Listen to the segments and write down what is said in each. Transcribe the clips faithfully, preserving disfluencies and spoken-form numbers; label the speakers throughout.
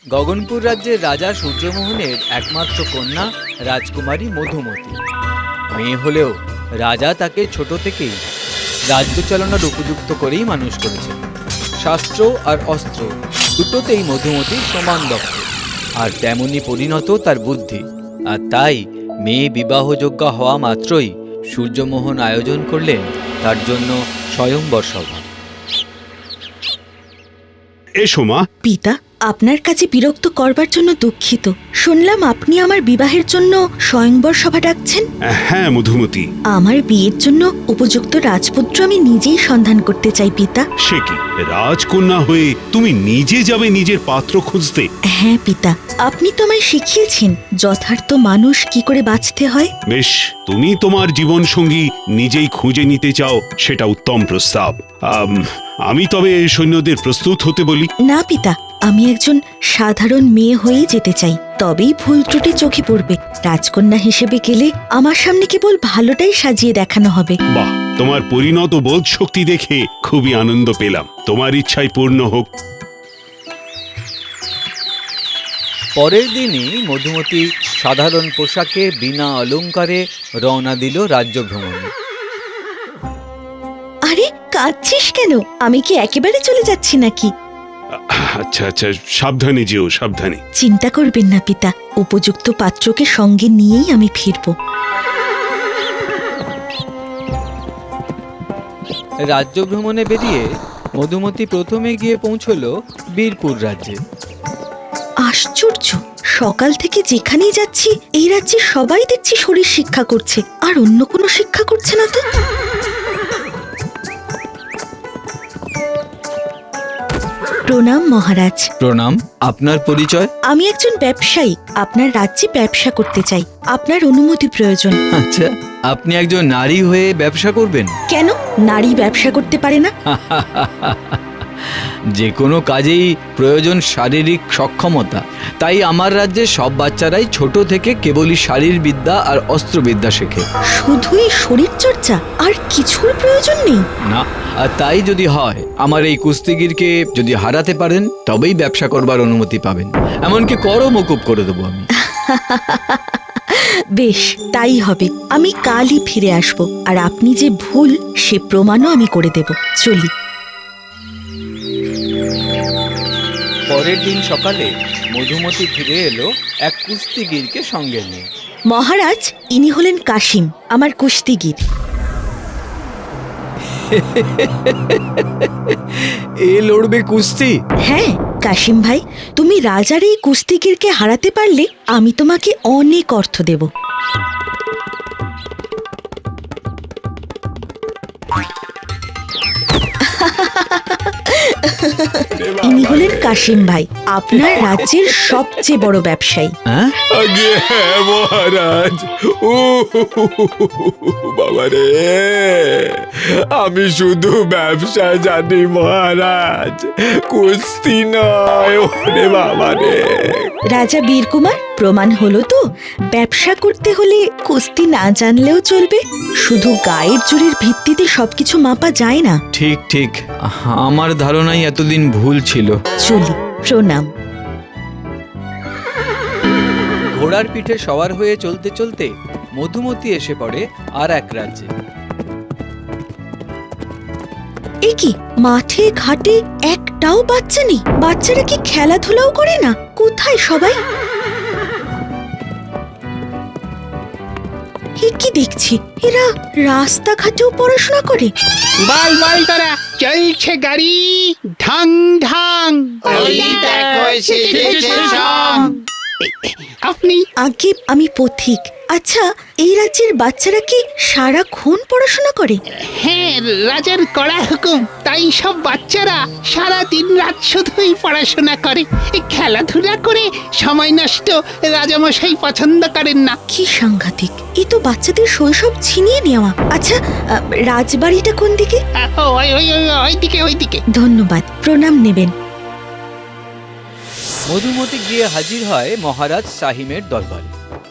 Speaker 1: গগনপুর রাজ্যের রাজা সূর্যমোহনের একমাত্র কন্যা রাজকুমারী মধুমতি। মেয়ে হলেও রাজা তাকে ছোট থেকেই রাজ্য চালনার উপযুক্ত করেই মানুষ করেছেন। শাস্ত্র আর অস্ত্র দুটোতেই মধুমতি সমান দক্ষ, আর তেমনি পরিণত তার বুদ্ধি। আর তাই মেয়ে বিবাহযোগ্য হওয়া মাত্রই সূর্যমোহন আয়োজন করলেন তার জন্য স্বয়ংবর সভা।
Speaker 2: এসো মা।
Speaker 3: পিতা, আপনার কাছে বিরক্ত করবার জন্য দুঃখিত। শুনলাম আপনি আমার বিবাহের জন্য স্বয়ংবর সভা ডাকছেন।
Speaker 2: হ্যাঁ মধুমতি,
Speaker 3: আমার বিয়ের জন্য উপযুক্ত রাজপুত্র আমি নিজেই সন্ধান করতে চাই পিতা।
Speaker 2: সে কি, রাজকন্যা হয়ে তুমি নিজে যাবে নিজের পাত্র খুঁজতে?
Speaker 3: হ্যাঁ পিতা, আপনি তো আমায় শিখিয়েছেন যথার্থ মানুষ কি করে বাঁচতে হয়।
Speaker 2: বেশ, তুমি তোমার জীবন সঙ্গী নিজেই খুঁজে নিতে চাও, সেটা উত্তম প্রস্তাব। আম, আমি তবে সৈন্যদের প্রস্তুত হতে বলি।
Speaker 3: না পিতা, আমি একজন সাধারণ মেয়ে হয়েই যেতে চাই, তবেই ভুল ত্রুটি চোখে পড়বে। রাজকন্যা হিসেবে গেলে আমার সামনে কেবল ভালোটাই সাজিয়ে দেখানো হবে।
Speaker 2: বাহ, তোমার পরিণত বোধ শক্তি দেখে খুবই আনন্দ পেলাম। তোমার ইচ্ছাই পূর্ণ হোক।
Speaker 1: পরের দিনই মধুমতি সাধারণ পোশাকে বিনা অলংকারে রওনা দিল রাজ্য ভ্রমণে।
Speaker 3: আরে, কাঁদছিস কেন? আমি কি একেবারে চলে যাচ্ছি নাকি?
Speaker 2: আচ্ছা আচ্ছা, সাবধানে যেও, সাবধানে।
Speaker 3: চিন্তা করবেন না পিতা, উপযুক্ত পাত্রকে সঙ্গে নিয়েই আমি ফিরব।
Speaker 1: রাজ্য ভ্রমণে বেরিয়ে মধুমতি প্রথমে গিয়ে পৌঁছল বীরপুর রাজ্যে।
Speaker 3: আশ্চর্য, সকাল থেকে যেখানেই যাচ্ছি এই রাজ্যে সবাই দেখছি শরীর শিক্ষা করছে, আর অন্য কোনো শিক্ষা করছে না তো। প্রণাম মহারাজ।
Speaker 1: প্রণাম। আপনার পরিচয়?
Speaker 3: আমি একজন ব্যবসায়ী, আপনার রাজ্যে ব্যবসা করতে চাই। আপনার অনুমতি প্রয়োজন।
Speaker 1: আচ্ছা, আপনি একজন নারী হয়ে ব্যবসা করবেন?
Speaker 3: কেন, নারী ব্যবসা করতে পারে না?
Speaker 1: যে কোনো কাজেই প্রয়োজন শারীরিক সক্ষমতা। তাই আমার রাজ্যে সব বাচ্চারাই ছোট থেকে কেবলই শারীরবিদ্যা আর অস্ত্রবিদ্যা শেখে।
Speaker 3: শুধুই শরীর চর্চা, আর কিছুর প্রয়োজন নেই?
Speaker 1: না, আর তাই যদি হয়, আমার এই কুস্তিগিরকে যদি হারাতে পারেন তবেই ব্যবসা করবার অনুমতি পাবেন। এমনকি করও মকুব করে দেবো আমি।
Speaker 3: বেশ, তাই হবে। আমি কালই ফিরে আসব, আর আপনি যে ভুল সে প্রমাণও আমি করে দেব। চলি।
Speaker 1: পরের দিন সকালে মধুমতি ফিরে এলো এক কুস্তিগিরকে সঙ্গে নিয়ে।
Speaker 3: মহারাজ, ইনি হলেন কাশিম, আমার কুস্তিগির।
Speaker 1: এ লড়বে কুস্তি?
Speaker 3: হ্যাঁ কাশিম ভাই, তুমি রাজার এই কুস্তিগিরকে হারাতে পারলে আমি তোমাকে অনেক অর্থ দেব। ইনি হলেন কাশিম ভাই, আপনার রাজ্যের সবচেয়ে বড় ব্যবসায়ী।
Speaker 1: হ্যাঁ?
Speaker 2: আগে হ্যাঁ মহারাজ। ও বাবা রে, আমি শুধু ব্যবসা জানি মহারাজ, কুস্তি নয়। ওরে বাবা রে।
Speaker 3: রাজা বীরকুমার, প্রমাণ হলো তো, ব্যবসা করতে হলে কুস্তি না জানলেও চলবে। শুধু গায়ের জোরের ভিত্তিতে সবকিছু মাপা যায় না।
Speaker 1: ঠিক ঠিক, আমার ধারণাই এতদিন ভুল ছিল।
Speaker 3: চলি। প্রণাম।
Speaker 1: ঘোড়ার পিঠে সওয়ার হয়ে চলতে চলতে মধুমতি এসে পড়ে আর এক রাজ্যে।
Speaker 3: এ কি, মাঠে ঘাটে একটাও বাচ্চা নেই? বাচ্চারা কি খেলাধুলাও করে না? কোথায় সবাই? এ কি দেখছি, এরা রাস্তাঘাটেও পড়াশোনা করে?
Speaker 4: বল বল তোরা, চলছে গাড়ি ঢং ঢং।
Speaker 5: ওই দেখো এসেছে সব।
Speaker 4: আপনি?
Speaker 3: আগে আমি পথিক। আচ্ছা, এই রাজ্যের বাচ্চারা কি সারাক্ষণ পড়াশোনা করে?
Speaker 4: হ্যাঁ, রাজার কড়া হুকুম, তাই সব বাচ্চারা সারা দিন রাত শুধুই পড়াশোনা করে। এই খেলাধুলা করে সময় নষ্ট রাজামশাই পছন্দ করেন না।
Speaker 3: কি সাংঘাতিক, এ তো বাচ্চাদের শৈশব ছিনিয়ে নেওয়া। আচ্ছা, আহ, রাজবাড়িটা কোন দিকে?
Speaker 4: আহ, ওই ওই ওই ওইদিকে ওইদিকে।
Speaker 3: ধন্যবাদ, প্রণাম নেবেন।
Speaker 1: মধুমতি গিয়ে হাজির হয় মহারাজ সাহিমের দরবারে।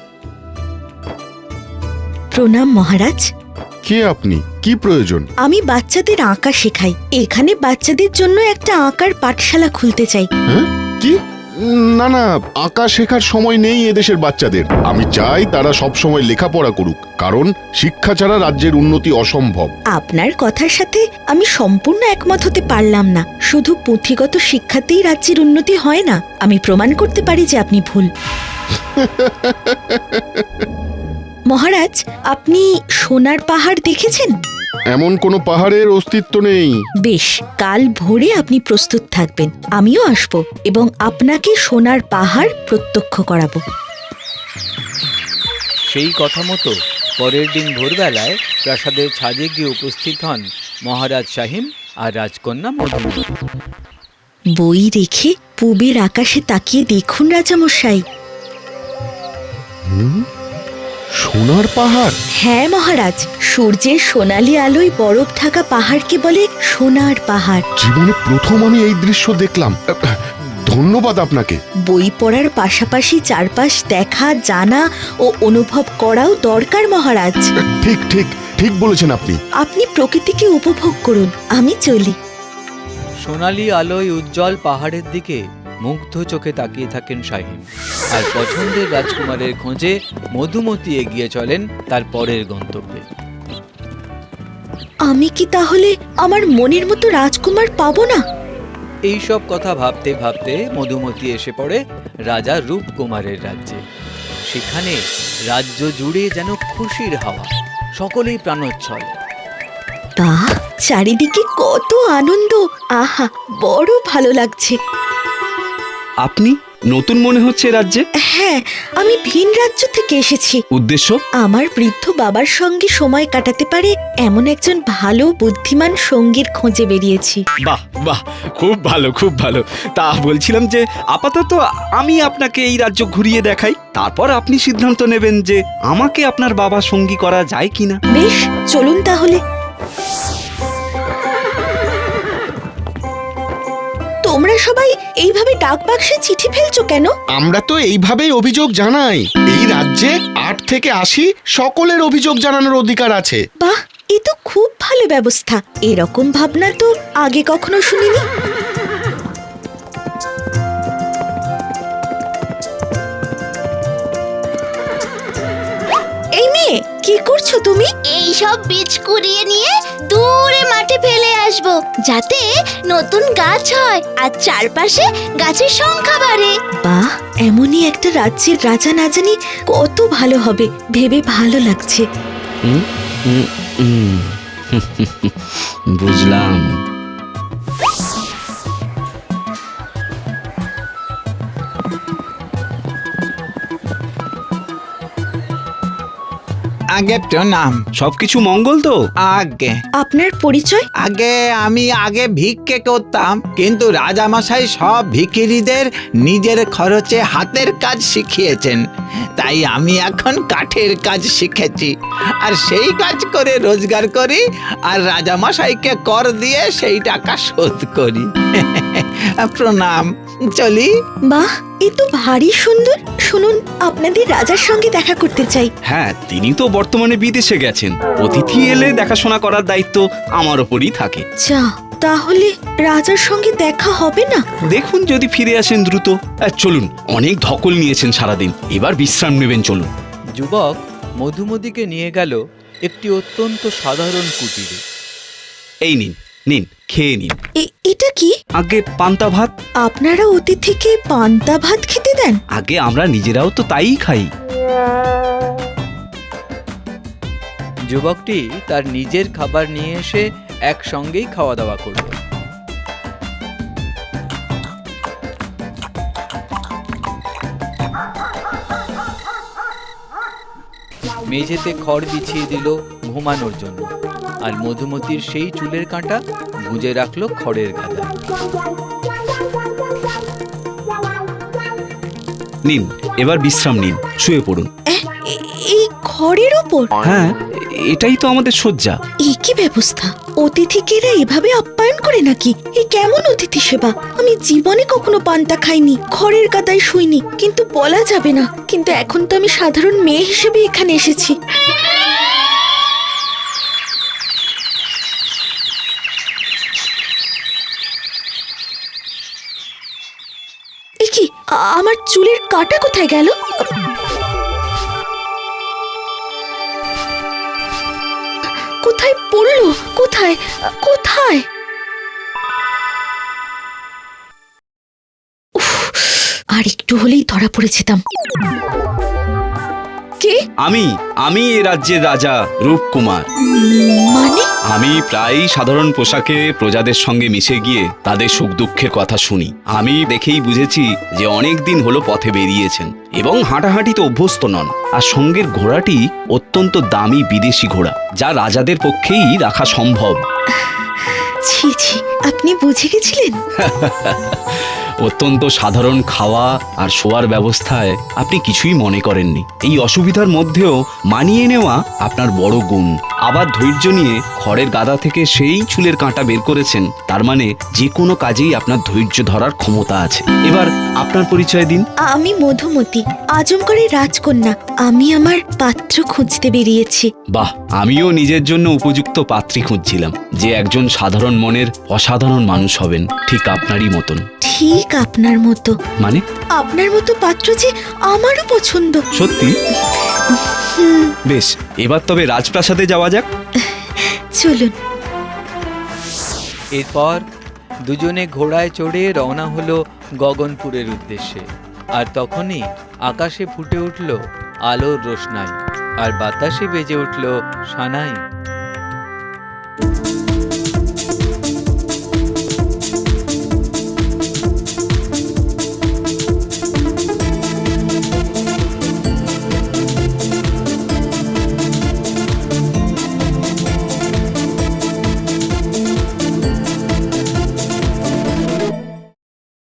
Speaker 3: প্রণাম মহারাজ।
Speaker 6: কে আপনি? কি প্রয়োজন?
Speaker 3: আমি বাচ্চাদের আঁকা শেখাই। এখানে বাচ্চাদের জন্য একটা আঁকার পাঠশালা খুলতে চাই।
Speaker 6: হ্যাঁ? কি না না, আঁকা শেখার সময় নেই এদেশের বাচ্চাদের। আমি চাই তারা সব সময় লেখাপড়া করুক, কারণ শিক্ষা ছাড়া রাজ্যের উন্নতি অসম্ভব।
Speaker 3: আপনার কথার সাথে আমি সম্পূর্ণ একমত হতে পারলাম না। শুধু পুঁথিগত শিক্ষাতেই রাজ্যের উন্নতি হয় না। আমি প্রমাণ করতে পারি যে আপনি ভুল। মহারাজ, আপনি সোনার পাহাড় দেখেছেন?
Speaker 6: এমন কোনো পাহাড়ের অস্তিত্ব নেই।
Speaker 3: বেশ, কাল ভোরে আপনি প্রস্তুত থাকবেন, আমিও আসব এবং আপনাকে সোনার পাহাড় প্রত্যক্ষ করাবো।
Speaker 1: সেই কথা মতো পরের দিন ভোরবেলায় প্রাসাদের ছাদে গিয়ে উপস্থিত হন মহারাজ শাহিম আর রাজকন্যা মধুমতি।
Speaker 3: বই রেখে পূবের আকাশে তাকিয়ে দেখুন রাজামশাই।
Speaker 6: সোনার পাহাড়?
Speaker 3: হ্যাঁ মহারাজ, সূর্যের সোনালী আলোয় বরফ ঢাকা পাহাড়কে বলে সোনার পাহাড়।
Speaker 6: জীবনে প্রথম আমি এই দৃশ্য দেখলাম। ধন্যবাদ আপনাকে।
Speaker 3: বই পড়ার পাশাপাশি চারপাশ দেখা, জানা ও অনুভব করাও দরকার মহারাজ।
Speaker 6: ঠিক ঠিক ঠিক বলেছেন আপনি।
Speaker 3: আপনি প্রকৃতিকে উপভোগ করুন, আমি চলি।
Speaker 1: সোনালি আলোয় উজ্জ্বল পাহাড়ের দিকে মুগ্ধ চোখে তাকিয়ে থাকেন শাহিম, আর পছন্দের রাজকুমারের খোঁজে মধুমতি এগিয়ে চলেন তার পরের গন্তব্যে।
Speaker 3: আমি কি তাহলে আমার মনের মতো রাজকুমার পাবো না?
Speaker 1: এই সব কথা ভাবতে ভাবতে মধুমতি এসে পড়ে রাজা রূপকুমারের রাজ্যে। সেখানে রাজ্য জুড়ে যেন খুশির হাওয়া, সকলেই প্রাণোচ্ছল।
Speaker 3: বাহ, চারিদিকে কত আনন্দ! আহা, বড় ভালো লাগছে।
Speaker 7: আপনি নতুন মনে হচ্ছে রাজ্যে?
Speaker 3: হ্যাঁ, আমি ভিন রাজ্য থেকে এসেছি।
Speaker 7: উদ্দেশ্য?
Speaker 3: আমার বৃদ্ধ বাবার সঙ্গে সময় কাটাতে পারে এমন একজন ভালো বুদ্ধিমান সঙ্গীর খোঁজে বেরিয়েছি।
Speaker 7: বাহ বাহ, খুব ভালো খুব ভালো। তা বলছিলাম যে আপাতত আমি আপনাকে এই রাজ্য ঘুরিয়ে দেখাই, তারপর আপনি সিদ্ধান্ত নেবেন যে আমাকে আপনার বাবা সঙ্গী করা যায় কিনা।
Speaker 3: বেশ, চলুন তাহলে। তোমরা সবাই এইভাবে ডাক বাক্সে চিঠি ফেলছো কেন?
Speaker 8: আমরা তো এইভাবেই অভিযোগ জানাই। এই রাজ্যে আট থেকে আশি সকলের অভিযোগ জানানোর অধিকার আছে।
Speaker 3: বাহ, এ তো খুব ভালো ব্যবস্থা। এরকম ভাবনা তো আগে কখনো শুনিনি। এই মেয়ে, কি করছো তুমি?
Speaker 9: এই সব বীজ কুড়িয়ে নিয়ে দূরে মাঠে ফেলে আসব, যাতে নতুন গাছ হয় আর চারপাশে গাছের সংখ্যা বাড়ে।
Speaker 3: বাহ, এমনই একটা রাজ্যের রাজা না জানি কত ভালো হবে, ভেবে ভালো লাগছে।
Speaker 7: হুম, হুম, হুম। বুঝলাম।
Speaker 5: আগে প্রণাম।
Speaker 7: সবকিছু মঙ্গল তো?
Speaker 5: আগে
Speaker 3: আপনার পরিচয়?
Speaker 5: আগে আমি আগে ভিক্ষে করতাম, কিন্তু রাজামশাই সব ভিখিরিদের নিজের খরচে হাতের কাজ শিখিয়েছেন, তাই আমি এখন কাঠের কাজ শিখেছি আর সেই কাজ করে রোজগার করি আর রাজামশাইকে কর দিয়ে সেই টাকা শোধ করি। প্রণাম, চলি।
Speaker 3: বাহ, এ তো ভারী সুন্দর। শুনুন, আপনাদের রাজার সঙ্গে দেখা করতে চাই।
Speaker 7: হ্যাঁ, তিনি তো বর্তমানে বিদেশে গেছেন। অতিথি এলে দেখাশোনা করার দায়িত্ব আমার ওপরই থাকে।
Speaker 3: যা, তাহলে রাজার সঙ্গে দেখা হবে না?
Speaker 7: দেখুন যদি ফিরে আসেন দ্রুত। আহ, চলুন, অনেক ধকল নিয়েছেন সারাদিন, এবার বিশ্রাম নেবেন, চলুন।
Speaker 1: যুবক মধুমতিকে নিয়ে গেল একটি অত্যন্ত সাধারণ কুটিরে।
Speaker 7: এই নিন, নিন, খেয়ে নিন।
Speaker 3: এ- এটা কি?
Speaker 7: আগে পান্তা ভাত।
Speaker 3: আপনারা অতিথিকে পান্তা ভাত খেতে দেন?
Speaker 7: আগে আমরা নিজেরাও তো তাই খাই।
Speaker 1: যুবকটি তার নিজের খাবার নিয়ে এসে একসঙ্গেই খাওয়া দাওয়া করবে। মেঝেতে খড় বিছিয়ে দিল ঘুমানোর জন্য, আর মধুমতির সেই চুলের কাঁটা গুঁজে রাখলো খড়ের গাদায়।
Speaker 7: নিন, এবার বিশ্রাম নিন, শুয়ে পড়ুন।
Speaker 3: এ- এ- এই খড়ের ওপর?
Speaker 7: হ্যাঁ, এটাই তো আমাদের শয্যা।
Speaker 3: এ কি ব্যবস্থা! অতিথিকে এরা এভাবে আপ্যায়ন করে নাকি? এ কেমন অতিথি সেবা! আমি জীবনে কখনো পান্তা খাইনি, খড়ের গাদায় শুইনি, কিন্তু বলা যাবে না। কিন্তু এখন তো আমি সাধারণ মেয়ে হিসেবে এখানে এসেছি। এ কি, আ- আমার চুলের কাঁটা কোথায় গেল? কোথায় পড়লো? কোথায় কোথায়? উফ, আর একটু হলেই ধরা পড়ে যেতাম। কে?
Speaker 7: আমি আমি এ রাজ্যের রাজা রূপকুমার।
Speaker 3: মানে?
Speaker 7: আমি প্রায়ই সাধারণ পোশাকে প্রজাদের সঙ্গে মিশে গিয়ে তাদের সুখ দুঃখের কথা শুনি। আমি দেখেই বুঝেছি যে অনেক দিন হলো পথে বেরিয়েছেন এবং হাঁটাহাঁটিতে অভ্যস্ত নন। আর সঙ্গের ঘোড়াটি অত্যন্ত দামি বিদেশি ঘোড়া, যা রাজাদের পক্ষেই রাখা সম্ভব।
Speaker 3: ছি ছি, আপনি বুঝে গেছিলেন?
Speaker 7: অত্যন্ত সাধারণ খাওয়া আর শোয়ার ব্যবস্থায় আপনি কিছুই মনে করেননি। এই অসুবিধার মধ্যেও মানিয়ে নেওয়া আপনার বড় গুণ। আবার ধৈর্য নিয়ে খড়ের গাদা থেকে সেই চুলের কাঁটা বের করেছেন, তার মানে যে কোনো কাজেই আপনার ধৈর্য ধরার ক্ষমতা আছে। এবার আপনার পরিচয় দিন।
Speaker 3: আমি মধুমতি, আজমগড়ের রাজকন্যা। আমি আমার পাত্র খুঁজতে বেরিয়েছি।
Speaker 7: বাহ, আমিও নিজের জন্য উপযুক্ত পাত্রী খুঁজছিলাম, যে একজন সাধারণ মনের অসাধারণ মানুষ হবেন, ঠিক আপনারই মতন।
Speaker 3: ঠিক আপনার মতো।
Speaker 7: মানে?
Speaker 3: আপনার মতো পাত্র যে আমারও পছন্দ।
Speaker 7: সত্যি? বেশ, এবার তবে রাজপ্রাসাদে যাওয়া যাক।
Speaker 3: চলুন।
Speaker 1: এরপর দুজনে ঘোড়ায় চড়ে রওনা হলো গগনপুরের উদ্দেশ্যে। আর তখনই আকাশে ফুটে উঠল আলোর রোশনাই, আর বাতাসে বেজে উঠল সানাই।